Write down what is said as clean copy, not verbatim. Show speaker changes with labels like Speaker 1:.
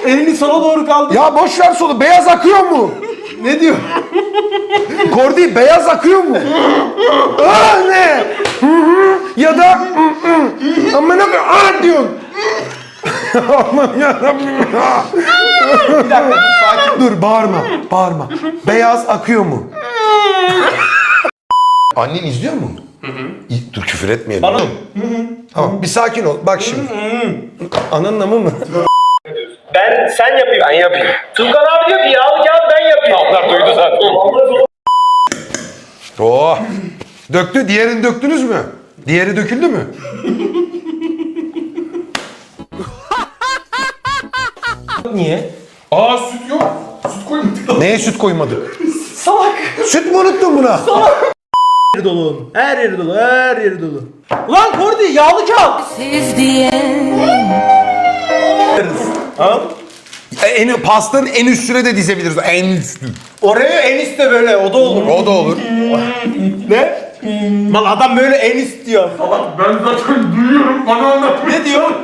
Speaker 1: Elini sola doğru kaldır.
Speaker 2: Ya boş ver solu. Beyaz akıyor mu?
Speaker 1: Ne diyor?
Speaker 2: Kordi beyaz akıyor mu? Aa ne? Hı hı. Ya da aman abi diyorsun. Aman yarabbim.
Speaker 1: Bir dakika dur, sakin.
Speaker 2: Dur bağırma. Beyaz akıyor mu? Annen izliyor mu? Dur küfür etmeyelim.
Speaker 1: Bana
Speaker 2: Tamam bir sakin ol. Bak şimdi. Ananın amı mı?
Speaker 3: Sen yapayım. Ben yapayım. Tuğkan abi diyor ki yağlı kağıt ben yapayım. Onlar duydu zaten.
Speaker 2: Oh. Döktü. Diğerini döktünüz mü? Diğeri döküldü mü?
Speaker 1: niye?
Speaker 4: Aa süt yok. Süt koymadık.
Speaker 2: Neye süt koymadık?
Speaker 1: Salak.
Speaker 2: Süt mü unuttun buna?
Speaker 1: Her yeri dolu oğlum. Her yeri dolu. Her yeri dolu. Ulan Kordi yağlı kağıt. Ha?
Speaker 2: Pastanın en üstüne de dizebiliriz. En üstü.
Speaker 1: Oraya en iste böyle o da olur.
Speaker 2: O da olur.
Speaker 1: Ne? Mal adam böyle en ist diyor.
Speaker 4: Ben zaten duyuyorum. Bana anlat.
Speaker 1: Ne diyor?